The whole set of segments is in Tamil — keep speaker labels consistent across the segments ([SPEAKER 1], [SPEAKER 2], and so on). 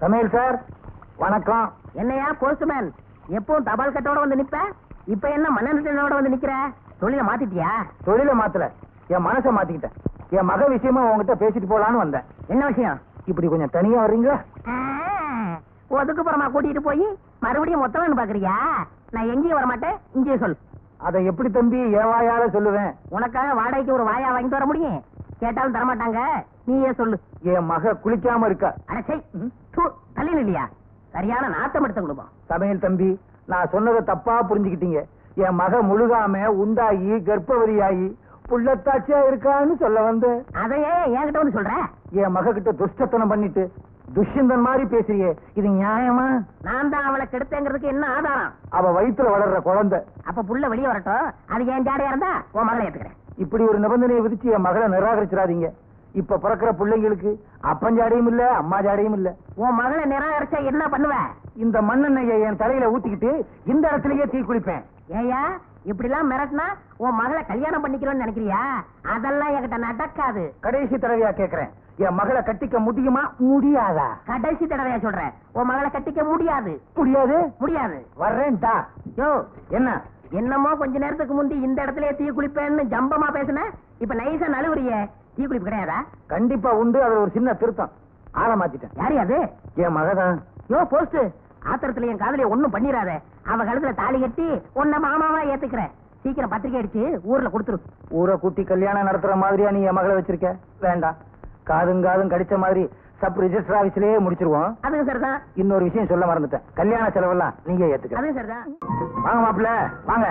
[SPEAKER 1] சமையல் சார் வணக்கம்.
[SPEAKER 2] என்னையா போஸ்ட்மேன், எப்பவும் தபால் கட்டோட வந்து நிப்ப, இப்ப என்ன மண்ணெண்ணோட வந்து நிக்கிற? தொழில மாத்திட்டியா?
[SPEAKER 1] தொழில மாத்தல, என் மனசை மாத்திக்கிட்டேன். என் மக விஷயமா உங்ககிட்ட பேசிட்டு போலான்னு வந்தேன்.
[SPEAKER 2] என்ன விஷயம்?
[SPEAKER 1] இப்படி கொஞ்சம் தனியா வர்றீங்களா?
[SPEAKER 2] ஒதுக்குப்புறமா கூட்டிட்டு போய் மறுபடியும் மொத்தம்னு பாக்குறியா? நான் எங்கேயும் வர மாட்டேன், இங்கேயே சொல்.
[SPEAKER 1] அதை எப்படி தம்பி என் வாயால சொல்லுவேன்?
[SPEAKER 2] உனக்காக வாடகைக்கு ஒரு வாயா வாங்கிட்டு வர முடியும்? கேட்டாலும் தரமாட்டாங்க, நீயே சொல்லு.
[SPEAKER 1] என் மக குளிக்காம இருக்கா.
[SPEAKER 2] அடச்சை, தள்ளில இல்லையா? சரியான நாத்தம் எடுத்த குடும்பம்.
[SPEAKER 1] சமையல் தம்பி, நான் சொன்னதை தப்பா புரிஞ்சுக்கிட்டீங்க. என் மக முழுகாம உண்டாகி கர்ப்பவதியாகி புள்ளத்தாட்சியா இருக்கான்னு சொல்ல வந்து.
[SPEAKER 2] அதையே என்கிட்ட வந்து சொல்ற?
[SPEAKER 1] என் மக கிட்ட துஷ்டத்தனம் பண்ணிட்டு துஷ்யந்தன் மாதிரி பேசுறியே, இது நியாயமா?
[SPEAKER 2] நான் தான் அவளை கெடுத்தேங்கிறதுக்கு என்ன ஆதாரம்?
[SPEAKER 1] அவ வயித்துல வளர்ற குழந்தை.
[SPEAKER 2] அப்ப புள்ள வெளியே வரட்டும், அது என் ஜாடையா இருந்தா உன் மகளை ஏத்துக்கிறேன்.
[SPEAKER 1] இப்படி ஒரு நிபந்தனையை விதிச்சு என் மகளை நிராகரிச்சிடாதீங்க. இப்ப பிறக்கிற பிள்ளைங்களுக்கு அப்பஞ்சாடையும் இல்ல, அம்மா ஜாடையும் இல்ல.
[SPEAKER 2] உன் மகளை நிராகரிச்சா என்ன பண்ணுவ?
[SPEAKER 1] இந்த மண்ணெண்ணெயை என் தலையில ஊத்திக்கிட்டு இந்த இடத்துலயே தீ குளிப்பேன்.
[SPEAKER 2] ஏயா இப்படி எல்லாம் மிரட்டினா உன் மகளை கல்யாணம் பண்ணிக்கிறோம்னு நினைக்கிறியா? அதெல்லாம் என்கிட்ட நடக்காது.
[SPEAKER 1] கடைசி தடவையா கேக்குறேன், என் மகளை கட்டிக்க முடியுமா முடியாதா?
[SPEAKER 2] கடைசி தடவையா சொல்றேன், உன் மகளை கட்டிக்க முடியாது.
[SPEAKER 1] முடியாது
[SPEAKER 2] முடியாது.
[SPEAKER 1] வர்றேன்டா.
[SPEAKER 2] யோ
[SPEAKER 1] என்ன
[SPEAKER 2] என்னமோ கொஞ்ச நேரத்துக்கு முந்தி இந்த இடத்துலயே தீ குளிப்பேன்னு ஜம்பமா பேசுன, இப்ப நைசா நழுவுறிய. தீ குளிப்பு கிடையாதா?
[SPEAKER 1] கண்டிப்பா உண்டு. அது ஒரு சின்ன திருத்தம். ஆள மாத்திட்டேன்.
[SPEAKER 2] யாரு அது?
[SPEAKER 1] என் மகதான்.
[SPEAKER 2] யோ போஸ்ட், ஆத்திரத்துல என் காதலிய ஒண்ணும் பண்ணிராத. அவ கழுத்துல தாலி கட்டி உன்ன மாமாவா ஏத்துக்கிறேன். சீக்கிரம் பத்திரிக்கை அடிச்சு ஊர்ல கொடுத்துரு.
[SPEAKER 1] ஊரை கூட்டி கல்யாணம் நடத்துற மாதிரியா நீ என் மகளை வச்சிருக்க? வேண்டாம். காதும் கடிச்ச மாதிரி சப் ரிஜிஸ்டர் ஆபீஸ்லயே முடிச்சிருவோம்.
[SPEAKER 2] அதுவும் சரிதான்.
[SPEAKER 1] இன்னொரு விஷயம் சொல்ல மறந்துட்டேன், கல்யாண செலவெல்லாம் நீங்க ஏத்துக்க.
[SPEAKER 2] அதுவும் சரிதான்.
[SPEAKER 1] வாங்க மாப்பிள்ள வாங்க.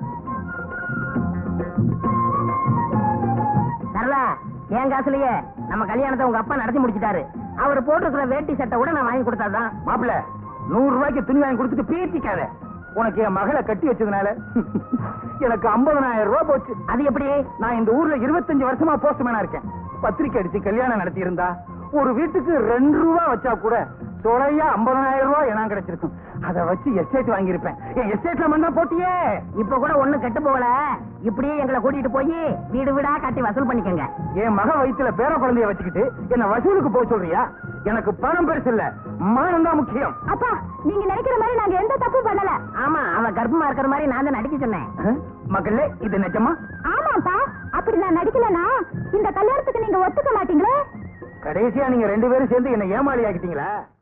[SPEAKER 2] சரளா, என் காசுலயே நம்ம கல்யாணத்தை உங்க அப்பா நடத்தி முடிச்சிட்டாரு. அவர் போட்டிருக்கிற வேட்டி சட்டை கூட நான் வாங்கி கொடுத்தாதான்.
[SPEAKER 1] மாப்பிள்ள 100 ரூபாய்க்கு துணி வாங்கி கொடுத்துட்டு பீத்திக்காத. உனக்கு என் மகளை கட்டி வச்சதுனால எனக்கு 50,000 ரூபாய் போச்சு.
[SPEAKER 2] அது எப்படி?
[SPEAKER 1] நான் இந்த ஊர்ல 25 வருஷமா போஸ்ட்மேனா இருக்கேன். பத்திரிக்கை அடிச்சு கல்யாணம் நடத்தி இருந்தா ஒரு வீட்டுக்கு 2 ரூபாய் வச்சா கூட தொலையா 50,000 ரூபாய் எனக்கு கிடைச்சிருக்கும். அதை வச்சு எஸ்டேட் வாங்கியிருப்பேன். என் எஸ்டேட்ல மண்ணா போட்டியே.
[SPEAKER 2] இப்ப கூட ஒண்ணு கெட்டு போகல. இப்படியே எங்களை கூட்டிட்டு போய் வீடு வீடா கட்டி வசூல் பண்ணிக்கங்க.
[SPEAKER 1] என் மக வயித்துல பேர குழந்தைய வச்சுக்கிட்டு என்ன வசூலுக்கு போக சொல்றியா? எனக்கு பணம் பெருசு இல்ல, மானம் தான் முக்கியம்.
[SPEAKER 3] அப்பா, நீங்க நினைக்கிற மாதிரி நாங்க எந்த தப்பு பண்ணல.
[SPEAKER 2] ஆமா, அவ கர்ப்பமா இருக்கிற மாதிரி நான் தான் நடிக்க சொன்னேன்.
[SPEAKER 1] மக்களே, இது நிஜமா?
[SPEAKER 3] ஆமாப்பா, அப்படி நான் நடிக்கலனா இந்த கல்யாணத்துக்கு நீங்க ஒத்துக்க மாட்டீங்களே.
[SPEAKER 1] கடைசியா நீங்க 2 பேரும் சேர்ந்து என்ன ஏமாளி ஆக்கிட்டீங்களா?